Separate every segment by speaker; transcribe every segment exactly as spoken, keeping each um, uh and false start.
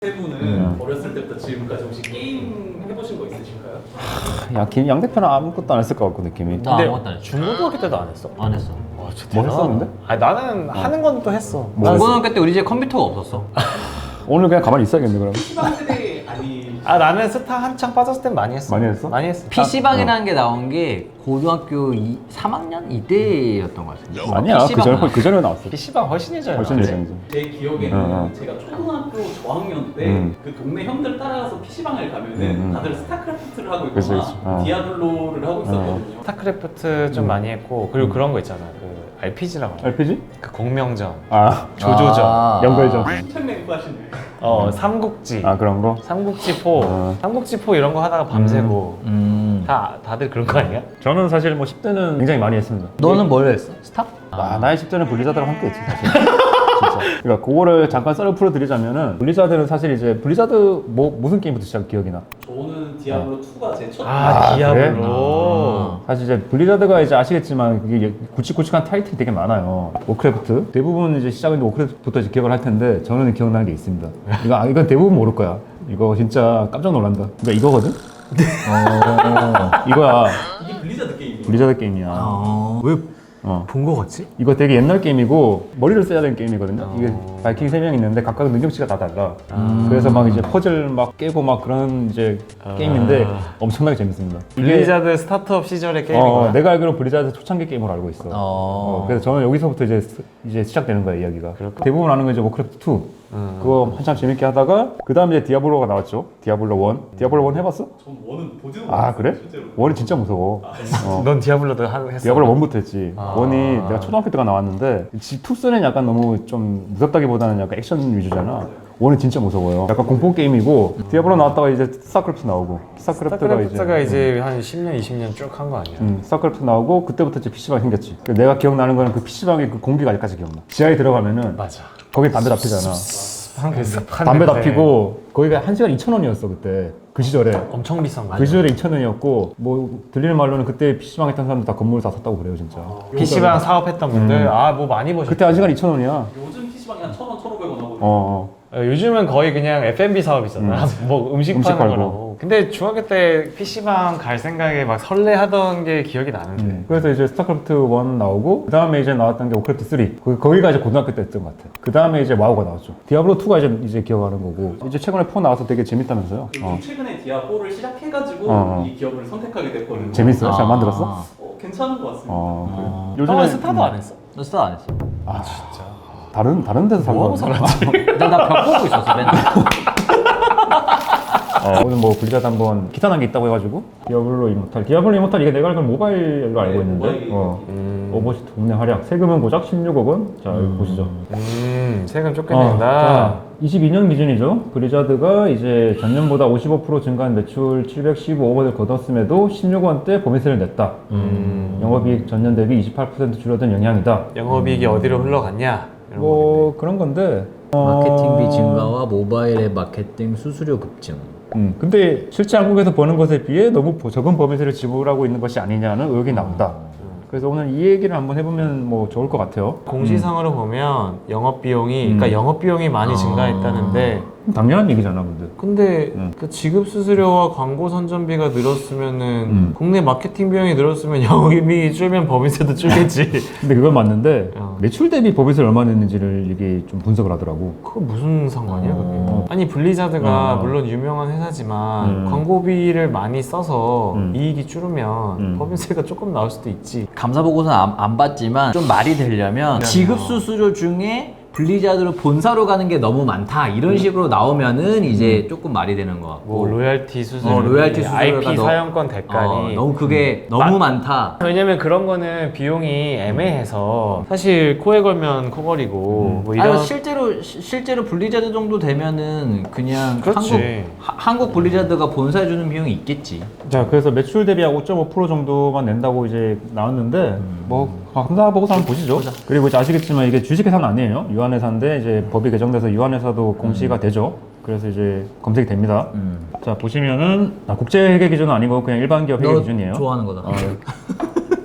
Speaker 1: 세 분은
Speaker 2: 음.
Speaker 1: 어렸을 때부터 지금까지 혹시 게임 해보신 거 있으신가요?
Speaker 2: 야, 김, 양 대표는 아무것도 안 했을 것 같고 느낌이.
Speaker 3: 나 아무것도 안 했어.
Speaker 4: 중고등학교 때도 안 했어?
Speaker 3: 안 했어.
Speaker 4: 와, 진짜
Speaker 2: 뭐
Speaker 4: 대단하다.
Speaker 2: 했었는데?
Speaker 4: 아니 나는 하는 건 또 했어.
Speaker 2: 뭐
Speaker 3: 중고등학교 때 우리 집에 컴퓨터가 없었어.
Speaker 2: 오늘 그냥 가만히 있어야겠네 그럼.
Speaker 1: 피시방 세대 아니
Speaker 4: 아 나는 스타 한창 빠졌을 땐 많이 했어.
Speaker 2: 많이 했어?
Speaker 4: 많이 했어.
Speaker 3: 피시방이라는 게 나온 게 고등학교 이, 삼 학년 이때였던 것 같아.
Speaker 2: 아니야 그
Speaker 3: 피시방
Speaker 2: 전에
Speaker 3: 나왔어.
Speaker 2: 그 전에 나왔어.
Speaker 4: 피시방 훨씬 예전에
Speaker 2: 훨씬
Speaker 4: 나왔지.
Speaker 2: 예전이지.
Speaker 1: 제 기억에는
Speaker 2: 어, 어.
Speaker 1: 제가 초등학교 저학년 때
Speaker 2: 음.
Speaker 1: 그 동네 형들 따라가서 피시방을 가면은
Speaker 2: 음, 음.
Speaker 1: 다들 스타크래프트를 하고 있거나
Speaker 2: 그치, 그치. 어.
Speaker 1: 디아블로를 하고 있었거든요.
Speaker 4: 스타크래프트 좀
Speaker 2: 음.
Speaker 4: 많이 했고 그리고 그런 거 있잖아. 그 알피지라고.
Speaker 2: 알피지?
Speaker 4: 그 공명전,
Speaker 2: 아
Speaker 4: 조조전,
Speaker 3: 아.
Speaker 2: 연결전.
Speaker 1: 엄청 맹구하시네.
Speaker 4: 어 삼국지,
Speaker 2: 아 그런 거?
Speaker 4: 삼국지포,
Speaker 2: 어.
Speaker 4: 삼국지포 이런 거 하다가 밤새고
Speaker 3: 음.
Speaker 4: 다 다들 그런 거 아니야?
Speaker 2: 저는 사실 뭐 십 대는 굉장히 많이 했습니다.
Speaker 3: 너는 뭘 했어? 스타?
Speaker 2: 아, 나의 십 대는 블리자드랑 함께 했지 사실. 진짜. 그러니까 그거를 잠깐 썰을 풀어드리자면은 블리자드는 사실 이제 블리자드 뭐 무슨 게임부터 시작 기억이 나?
Speaker 1: 저는 디아블로 이가 제 첫.
Speaker 4: 아,
Speaker 2: 아,
Speaker 4: 디아블로.
Speaker 3: 아.
Speaker 2: 사실 이제 블리자드가 이제 아시겠지만 그게 굵직굵직한 타이틀이 되게 많아요. 워크래프트 대부분 이제 시작은 워크래프트부터 이제 기억을 할 텐데 저는 기억나는 게 있습니다. 이거 아, 이건 대부분 모를 거야. 이거 진짜 깜짝 놀란다. 그러니까 이거거든. 어, 이거야.
Speaker 1: 이게 블리자드 게임이에요.
Speaker 2: 블리자드 게임이야.
Speaker 3: 어. 왜
Speaker 2: 어.
Speaker 4: 본 거 같지?
Speaker 2: 이거 되게 옛날 게임이고 머리를 써야 되는 게임이거든요.
Speaker 4: 어.
Speaker 2: 이게 바이킹 세 명 있는데 각각 능력치가 다 달라.
Speaker 4: 아.
Speaker 2: 그래서 막 이제 퍼즐 막 깨고 막 그런 이제
Speaker 4: 아.
Speaker 2: 게임인데 엄청나게 재밌습니다.
Speaker 4: 블리자드 스타트업 시절의
Speaker 2: 어,
Speaker 4: 게임이구나.
Speaker 2: 내가 알기로 블리자드 초창기 게임으로 알고 있어.
Speaker 3: 어.
Speaker 2: 어, 그래서 저는 여기서부터 이제 스- 이제 시작되는 거야 이야기가.
Speaker 4: 그럴까?
Speaker 2: 대부분 아는 건 이제 워크래프트 이.
Speaker 4: 음.
Speaker 2: 그거 한참 재밌게 하다가 그 다음에 이제 디아블로가 나왔죠. 디아블로 일. 디아블로 일 해봤어?
Speaker 1: 전 원은 보지도
Speaker 2: 아
Speaker 1: 못했어요,
Speaker 2: 그래?
Speaker 1: 실제로.
Speaker 2: 일이 진짜 무서워. 어.
Speaker 4: 넌 디아블로도 하- 했어?
Speaker 2: 디아블로 일부터 했지.
Speaker 4: 아.
Speaker 2: 일이 내가 초등학교 때가 나왔는데 이 이는 약간 너무 좀 무섭다기보다는 약간 액션 위주잖아. 일은 진짜 무서워요. 약간 공포 게임이고 디아블로 나왔다가 이제 스타크래프트 나오고 스타크래프트가 이제
Speaker 4: 스타크래프트가 이제 한 십 년, 이십 년 쭉 한 거 아니야?
Speaker 2: 음, 스타크래프트 나오고 그때부터 이제 피시방이 생겼지. 그 내가 기억나는 거는 그 피시방의 그 공기가 아직까지 기억나. 지하에 들어가면은
Speaker 4: 맞아.
Speaker 2: 거기 담배 다 피잖아.
Speaker 4: 한 습한
Speaker 2: 담배 다
Speaker 4: 냄새.
Speaker 2: 피고 거기가 한 시간 이천 원이었어 그때. 그 시절에.
Speaker 4: 엄청 비싼 거.
Speaker 2: 그 시절에 이천 원이었고 뭐 들리는 말로는 그때 피시방 했던 사람들 다 건물을 다 샀다고 그래요 진짜.
Speaker 4: 피시방 사업했던 분들 아 뭐 많이 보셨.
Speaker 2: 그때 한 시간 이천 원이야.
Speaker 1: 요즘 피시방이 한 천 원, 천오백 원 하거든요.
Speaker 2: 어, 어.
Speaker 4: 어, 요즘은 거의 그냥 에프 앤 비 사업이잖아. 뭐 음식,
Speaker 2: 음식
Speaker 4: 파는
Speaker 2: 팔고.
Speaker 4: 거라고. 근데 중학교 때 피시방 갈 생각에 막 설레하던 게 기억이 나는데.
Speaker 2: 음. 그래서 이제 스타크래프트 일 나오고 그 다음에 이제 나왔던 게 워크래프트 삼. 거- 거기가 이제 고등학교 때 했던 것 같아. 그 다음에 이제 와우가 나왔죠. 디아블로 이가 이제 이제 기억하는 거고 이제 최근에 사 나와서 되게 재밌다면서요.
Speaker 1: 그리고
Speaker 2: 어.
Speaker 1: 최근에 디아포를 시작해가지고
Speaker 2: 어, 어.
Speaker 1: 이 기업을 선택하게 됐거든요.
Speaker 2: 재밌어요? 잘
Speaker 3: 아.
Speaker 2: 만들었어?
Speaker 1: 어, 괜찮은 것 같습니다.
Speaker 2: 어.
Speaker 4: 요즘에
Speaker 2: 요즘에
Speaker 4: 스타도 안 했어?
Speaker 3: 너 스타 안 했어?
Speaker 2: 아 진짜. 다른 다른 데서 살고
Speaker 4: 뭐하고 살았지?
Speaker 3: 나나벽 보고 있었어 맨날.
Speaker 2: 어, 오늘 뭐 블리자드 한번 기탄한 게 있다고 해가지고 디아블로 이모탈 디아블로 이모탈 이게 내가 알기로 모바일로 알고
Speaker 1: 네,
Speaker 2: 있는데
Speaker 1: 모바일
Speaker 2: 어.
Speaker 4: 음.
Speaker 2: 오버워치 동네 활약 세금은 고작 십육억 원. 자 여기 보시죠.
Speaker 4: 음, 세금
Speaker 2: 어,
Speaker 4: 쫓겨낸다.
Speaker 2: 자, 이십이 년 기준이죠. 블리자드가 이제 전년보다 오십오 퍼센트 증가한 매출 칠백십오억 원을 거뒀음에도 십육 원대 법인세를 냈다.
Speaker 4: 음.
Speaker 2: 영업이익 전년 대비 이십팔 퍼센트 줄어든 영향이다.
Speaker 4: 영업이익이 어디로 흘러갔냐? 이런
Speaker 2: 뭐 그런 건데
Speaker 3: 마케팅비
Speaker 2: 어,
Speaker 3: 증가와 모바일 앱 마케팅 수수료 급증.
Speaker 2: 음, 근데 실제 한국에서 버는 것에 비해 너무 보- 적은 법인세를 지불하고 있는 것이 아니냐는 의혹이 나온다. 그래서 오늘 이 얘기를 한번 해보면 뭐 좋을 것 같아요.
Speaker 4: 공시상으로 보면 영업 비용이,
Speaker 2: 음.
Speaker 4: 그러니까 영업 비용이 많이
Speaker 3: 아.
Speaker 4: 증가했다는데,
Speaker 2: 당연한 얘기잖아, 근데.
Speaker 4: 근데
Speaker 2: 음.
Speaker 4: 그 지급 수수료와 광고 선전비가 늘었으면은
Speaker 2: 음.
Speaker 4: 국내 마케팅 비용이 늘었으면 영업이익이 줄면 법인세도 줄겠지.
Speaker 2: 근데 그건 맞는데
Speaker 4: 어.
Speaker 2: 매출 대비 법인세를 얼마 냈는지를 이게 좀 분석을 하더라고.
Speaker 4: 그거 무슨 상관이야 그게?
Speaker 2: 어.
Speaker 4: 아니 블리자드가
Speaker 2: 어.
Speaker 4: 물론 유명한 회사지만
Speaker 2: 음.
Speaker 4: 광고비를 많이 써서
Speaker 2: 음.
Speaker 4: 이익이 줄으면
Speaker 2: 음.
Speaker 4: 법인세가 조금 나올 수도 있지.
Speaker 3: 감사 보고서는 안, 안 받지만 좀 말이 되려면
Speaker 4: 네.
Speaker 3: 지급 수수료 중에 블리자드로 본사로 가는 게 너무 많다 이런 식으로 나오면은 이제 조금 말이 되는 것 같고
Speaker 4: 뭐 로얄티 수수료,
Speaker 3: 어, 로얄티 수수료가
Speaker 4: 아이피
Speaker 3: 너-
Speaker 4: 사용권
Speaker 3: 어,
Speaker 4: 대가니
Speaker 3: 너무 그게 너무 많다.
Speaker 4: 왜냐면 그런 거는 비용이 애매해서 사실 코에 걸면 코걸이고 뭐 이런
Speaker 3: 아니, 실제로 시- 실제로 블리자드 정도 되면은 그냥
Speaker 4: 그렇지.
Speaker 3: 한국 하- 한국 블리자드가 본사에 주는 비용이 있겠지.
Speaker 2: 자, 그래서 매출 대비 오 점 오 퍼센트 정도만 낸다고 이제 나왔는데, 뭐, 감사 보고서 한번 보시죠. 그리고 이제 아시겠지만 이게 주식회사는 아니에요. 유한회사인데, 이제 법이 개정돼서 유한회사도 공시가 되죠. 그래서 이제 검색이 됩니다.
Speaker 3: 음.
Speaker 2: 자, 보시면은, 아, 국제회계 기준은 아니고 그냥 일반 기업 회계
Speaker 3: 너
Speaker 2: 기준이에요.
Speaker 3: 좋아하는 거다.
Speaker 2: 어,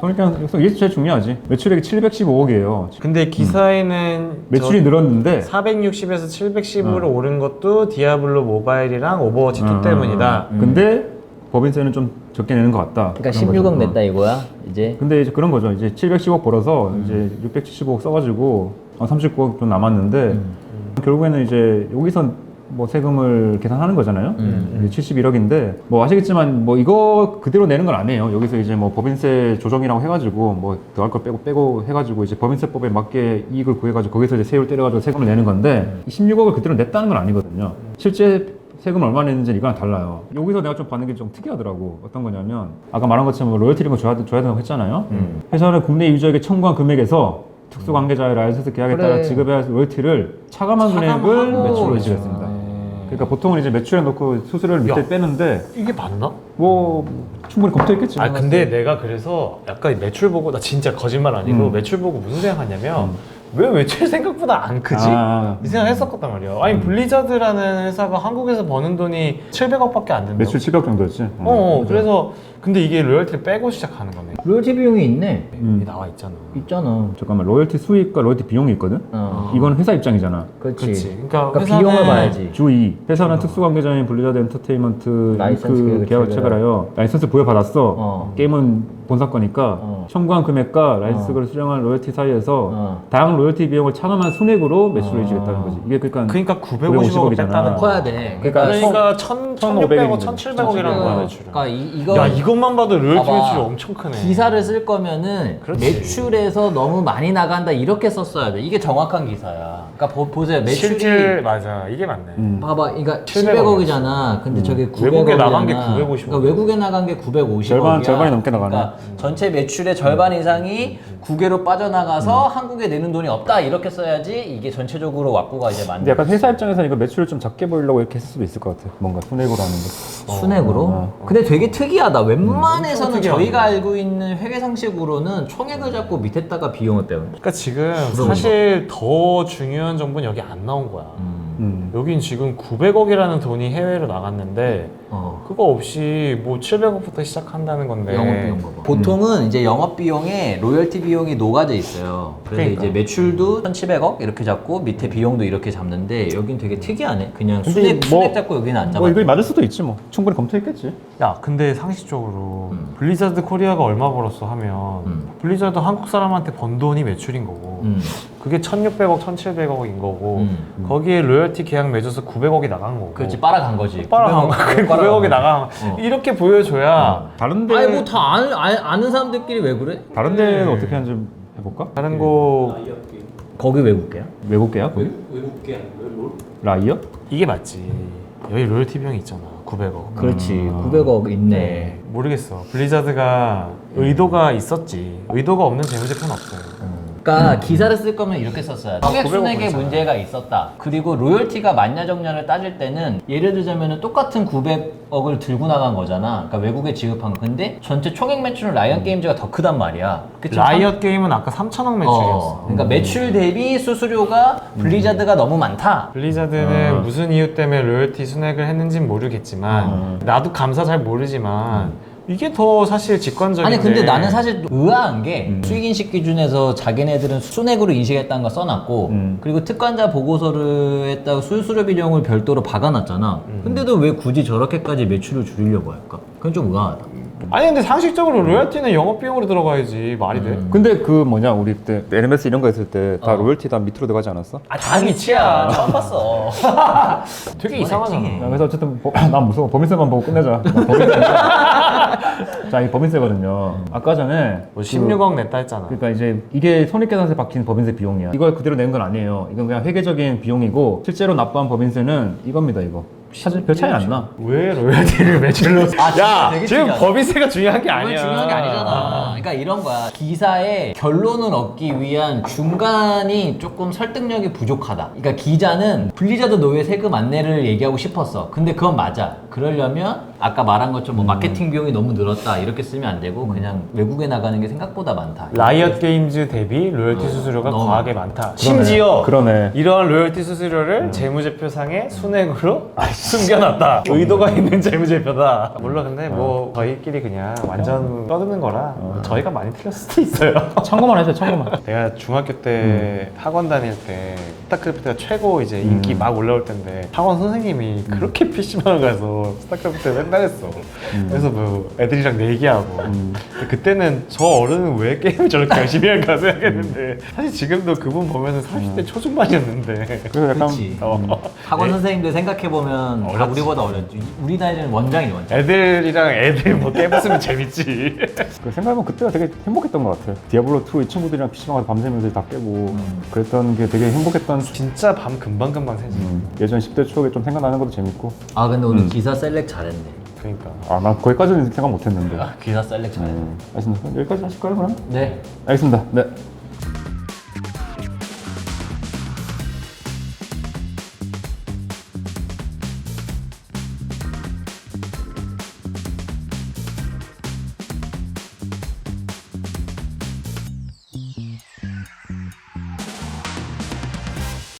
Speaker 2: 그러니까 이게 제일 중요하지. 매출액이 칠백십오억이에요.
Speaker 4: 근데 기사에는
Speaker 2: 매출이 늘었는데
Speaker 4: 사백육십에서 칠백십으로 오른 것도 디아블로 모바일이랑 오버워치 투
Speaker 2: 어,
Speaker 4: 때문이다.
Speaker 2: 어, 어. 근데 법인세는 좀 적게 내는 것 같다.
Speaker 3: 그러니까
Speaker 2: 그런
Speaker 3: 십육억
Speaker 2: 거죠.
Speaker 3: 냈다 이거야 이제.
Speaker 2: 근데 이제 그런 거죠. 이제 칠백십억 벌어서 이제 육백칠십억 써가지고 한 삼십구억 좀 남았는데
Speaker 3: 음.
Speaker 2: 결국에는 이제 여기서 뭐 세금을 계산하는 거잖아요.
Speaker 3: 음.
Speaker 2: 칠십일억인데 뭐 아시겠지만 뭐 이거 그대로 내는 건 아니에요. 여기서 이제 뭐 법인세 조정이라고 해가지고 뭐 더할 걸 빼고 빼고 해가지고 이제 법인세법에 맞게 이익을 구해가지고 거기서 이제 세율 때려가지고 세금을 내는 건데 이 십육억을 그대로 냈다는 건 아니거든요. 실제 세금 얼마 냈는지 이거랑 달라요. 여기서 내가 좀 받는 게 좀 특이하더라고. 어떤 거냐면 아까 말한 것처럼 뭐 로열티 이런 거 줘야, 줘야 된다고 했잖아요.
Speaker 3: 음.
Speaker 2: 회사는 국내 유저에게 청구한 금액에서 특수관계자의 라이선스 계약에
Speaker 3: 그래.
Speaker 2: 따라 지급해야 할 로열티를 차감한 금액을
Speaker 4: 차감하고
Speaker 2: 매출로
Speaker 4: 그렇죠.
Speaker 2: 지급했습니다.
Speaker 4: 네.
Speaker 2: 그러니까 보통은 이제 매출에 넣고 수수료를 밑에
Speaker 4: 야.
Speaker 2: 빼는데
Speaker 4: 이게 맞나?
Speaker 2: 뭐 충분히 검토했겠지.
Speaker 4: 아 근데 내가 그래서 약간 매출 보고 나 진짜 거짓말 아니고
Speaker 2: 음.
Speaker 4: 매출 보고 무슨 생각하냐면 왜 매출 생각보다 안 크지?
Speaker 2: 아,
Speaker 4: 이 생각 했었단 말이야. 아니 블리자드라는 회사가 한국에서 버는 돈이 칠백억밖에 안 된다고.
Speaker 2: 매출 칠백억 정도였지.
Speaker 4: 어, 어
Speaker 2: 맞아.
Speaker 4: 그래서 근데 이게 로열티를 빼고 시작하는 거네.
Speaker 3: 로열티 비용이 있네.
Speaker 2: 음.
Speaker 4: 이게 나와 있잖아.
Speaker 3: 있잖아.
Speaker 2: 잠깐만 로열티 수익과 로열티 비용이 있거든.
Speaker 3: 어.
Speaker 2: 이건 회사 입장이잖아.
Speaker 3: 그렇지.
Speaker 4: 그렇지. 그러니까,
Speaker 3: 그러니까
Speaker 4: 회사는
Speaker 3: 비용을 봐야지.
Speaker 2: 주이 회사는 특수관계자인 블리자드 엔터테인먼트
Speaker 3: 라이선스
Speaker 2: 그
Speaker 3: 계약을
Speaker 2: 계약을
Speaker 3: 체결하여.
Speaker 2: 체결하여 라이선스 부여받았어.
Speaker 3: 어.
Speaker 2: 게임은 본사 거니까
Speaker 3: 어.
Speaker 2: 청구한 금액과 라이선스를 수령한 로열티 사이에서
Speaker 3: 어.
Speaker 2: 다양한 로열티 비용을 차감한 순액으로 매출을
Speaker 3: 어.
Speaker 2: 일주겠다는 거지. 이게 그러니까
Speaker 4: 그러니까 구백오십억을
Speaker 2: 구백오십억이잖아.
Speaker 4: 뺐다는 거야.
Speaker 3: 커야 돼.
Speaker 2: 그러니까
Speaker 4: 그러니까 천, 천육백억, 천칠백억이라는 거야 매출은.
Speaker 3: 그러니까 이, 이거
Speaker 4: 야 이것만 봐도 로열티
Speaker 3: 봐봐.
Speaker 4: 매출이 엄청 크네.
Speaker 3: 기사를 쓸 거면은
Speaker 4: 그렇지.
Speaker 3: 매출에서 너무 많이 나간다 이렇게 썼어야 돼. 이게 정확한 기사야. 그러니까 보, 보세요. 매출이
Speaker 4: 실질 맞아 이게 맞네.
Speaker 2: 음.
Speaker 3: 봐봐, 그러니까
Speaker 4: 칠백억이었어.
Speaker 3: 칠백억이잖아. 근데 저게 구백억이잖아.
Speaker 4: 외국에 나간 게 구백오십억.
Speaker 3: 그러니까 외국에 나간 게 구백오십억이야.
Speaker 2: 절반- 절반이 넘게 나가네.
Speaker 3: 그러니까 전체 매출의 절반 이상이 국외로 빠져나가서 한국에 내는 돈이 없다 이렇게 써야지 이게 전체적으로 왁구가 이제 맞는.
Speaker 2: 근데 약간 회사 입장에서는 이거 매출을 좀 작게 보이려고 이렇게 했을 수도 있을 것 같아. 뭔가 순액으로 하는 거.
Speaker 3: 순액으로?
Speaker 2: 어,
Speaker 3: 근데 되게 특이하다. 웬만해서는
Speaker 4: 엄청 특이하네.
Speaker 3: 저희가 알고 있는 회계 상식으로는 총액을 잡고 밑에다가 비용을 빼요.
Speaker 4: 그러니까 지금 사실 더 중요한 정보는 여기 안 나온 거야.
Speaker 2: 음.
Speaker 4: 여긴 지금 구백억이라는 돈이 해외로 나갔는데
Speaker 3: 어.
Speaker 4: 그거 없이 뭐 칠백억부터 시작한다는 건데.
Speaker 3: 영업비용 봐봐. 보통은 이제 영업비용에 로열티 비용이 녹아져 있어요. 그래서
Speaker 4: 그러니까.
Speaker 3: 이제 매출도 천칠백억 이렇게 잡고 밑에 비용도 이렇게 잡는데 여긴 되게 특이하네. 그냥
Speaker 2: 근데
Speaker 3: 순액,
Speaker 2: 뭐-
Speaker 3: 순액 잡고 여기는 안 잡아.
Speaker 2: 뭐 이거 맞을 수도 있지 뭐. 충분히 검토했겠지.
Speaker 4: 야 근데 상식적으로
Speaker 3: 음.
Speaker 4: 블리자드 코리아가 얼마 벌었어 하면
Speaker 3: 음.
Speaker 4: 블리자드 한국 사람한테 번 돈이 매출인 거고
Speaker 3: 음.
Speaker 4: 그게 천육백억, 천칠백억인 거고
Speaker 3: 음.
Speaker 4: 거기에 로열티 계약 맺어서 구백억이 나간 거고
Speaker 3: 그렇지 빨아간 거지.
Speaker 4: 빨아간 거
Speaker 3: 구백억,
Speaker 4: 구백억이 나간
Speaker 3: 어.
Speaker 4: 이렇게 보여줘야
Speaker 2: 다른데
Speaker 3: 아니 뭐 다 아는, 아- 아는 사람들끼리 왜 그래?
Speaker 2: 다른 데는 어떻게 하는지 좀 해볼까?
Speaker 4: 다른 거
Speaker 3: 거기 외국계야?
Speaker 2: 외국계야 거기?
Speaker 1: 외국계 아니고요? 롤?
Speaker 2: 라이어?
Speaker 4: 이게 맞지 여기 로열티 비용이 있잖아 구백억
Speaker 3: 그렇지.
Speaker 2: 음.
Speaker 3: 구백억 있네.
Speaker 4: 모르겠어 블리자드가 의도가 있었지 의도가 없는 재무제표는 없어요
Speaker 3: 그러니까 기사를 쓸 거면 이렇게 썼어야 돼. 총액
Speaker 4: 구백억
Speaker 3: 순액에
Speaker 4: 보이잖아.
Speaker 3: 문제가 있었다. 그리고 로열티가 맞냐 적냐를 따질 때는 예를 들자면 똑같은 구백억을 들고 나간 거잖아. 그러니까 외국에 지급한 거. 근데 전체 총액 매출은 라이언 게임즈가 더 크단 말이야. 그치?
Speaker 4: 라이엇 게임은 아까 삼천억 매출이었어
Speaker 3: 어, 그러니까 매출 대비 수수료가 블리자드가 너무 많다.
Speaker 4: 블리자드는
Speaker 2: 어.
Speaker 4: 무슨 이유 때문에 로열티 순액을 했는지는 모르겠지만
Speaker 2: 어.
Speaker 4: 나도 감사 잘 모르지만 이게 더 사실 직관적인데
Speaker 3: 아니 근데 나는 사실 의아한 게
Speaker 2: 음.
Speaker 3: 수익인식 기준에서 자기네들은 순액으로 인식했다는 거 써놨고
Speaker 2: 음.
Speaker 3: 그리고 특관자 보고서를 했다고 수수료 비용을 별도로 박아놨잖아. 근데도 왜 굳이 저렇게까지 매출을 줄이려고 할까? 그건 좀 의아하다.
Speaker 4: 아니 근데 상식적으로 로열티는 영업비용으로 들어가야지 말이 돼?
Speaker 2: 근데 그 뭐냐 우리 그때 엘엠에스 이런 거 했을 때 다
Speaker 3: 어.
Speaker 2: 로열티 다 밑으로 들어가지 않았어?
Speaker 3: 아, 다 미치야. 처음 봤어.
Speaker 4: 되게
Speaker 3: 이건
Speaker 4: 이상하잖아
Speaker 3: 액팅해.
Speaker 2: 야, 그래서 어쨌든 버- 난 무서워. 법인세만 보고 끝내자. 법인세. 자, 이 법인세거든요. 아까 전에
Speaker 4: 뭐 십육억 냈다 했잖아
Speaker 2: 그러니까 이제 이게 손익계산서에 박힌 법인세 비용이야. 이걸 그대로 낸 건 아니에요. 이건 그냥 회계적인 비용이고 실제로 납부한 법인세는 이겁니다. 이거. 사실 별 차이 안 나.
Speaker 4: 왜 로열티를 매출로
Speaker 3: 아, 진짜
Speaker 4: 야
Speaker 3: 되게
Speaker 4: 지금
Speaker 3: 특이하다.
Speaker 4: 법인세가 중요한 게
Speaker 3: 그건
Speaker 4: 아니야
Speaker 3: 중요한 게 아니잖아. 그러니까 이런 거야. 기사의 결론을 얻기 위한 중간이 조금 설득력이 부족하다. 그러니까 기자는 블리자드 노예 세금 안내를 얘기하고 싶었어. 근데 그건 맞아. 그러려면 아까 말한 것처럼 뭐 마케팅 비용이 너무 늘었다 이렇게 쓰면 안 되고 그냥 외국에 나가는 게 생각보다 많다.
Speaker 4: 라이엇 게임즈 대비 로열티
Speaker 3: 어,
Speaker 4: 수수료가
Speaker 3: 너무
Speaker 4: 과하게 많다. 심지어
Speaker 2: 그러네.
Speaker 4: 이러한 로열티 수수료를 재무제표상에 순액으로 숨겨놨다. 의도가 있는 재무제표다. 물론 근데 뭐 저희끼리 그냥 완전 떠드는 거라 저희가 많이 틀렸을 수도 있어요.
Speaker 2: 참고만 해줘, 참고만.
Speaker 4: 내가 중학교 때 학원 다닐 때 스타크래프트가 최고 이제 인기
Speaker 2: 음.
Speaker 4: 막 올라올 텐데 학원 선생님이 그렇게 피시방을 가서 스타크래프트 맨날 했어. 그래서 뭐 애들이랑 내기하고 근데 그때는 저 어른은 왜 게임을 저렇게 열심히 할까 생각했는데 사실 지금도 그분 보면은 사십 대 초중반이었는데
Speaker 2: 그래서 약간
Speaker 3: 그치.
Speaker 4: 어.
Speaker 3: 학원 선생님들 생각해보면 다
Speaker 4: 어렵지.
Speaker 3: 우리보다 어렸지. 우리 나이에는 원장이 원장.
Speaker 4: 애들이랑 애들 뭐 게임 했으면 재밌지.
Speaker 2: 그 생각해보면 그때가 되게 행복했던 것 같아요. 디아블로 투 이 친구들이랑 피시방 가서 밤새면서 다 깨고 그랬던 게 되게 행복했던 수-
Speaker 4: 진짜 밤 금방금방 새지.
Speaker 2: 음, 예전 십 대 추억이 좀 생각나는 것도 재밌고.
Speaker 3: 아 근데 오늘
Speaker 2: 음.
Speaker 3: 기사 셀렉 잘했네.
Speaker 4: 그러니까.
Speaker 2: 아, 난 거기까지는 생각 못 했는데.
Speaker 3: 기사 셀렉 잘했네.
Speaker 2: 음, 알겠습니다. 여기까지 하실까요, 그럼?
Speaker 3: 네.
Speaker 2: 알겠습니다. 네.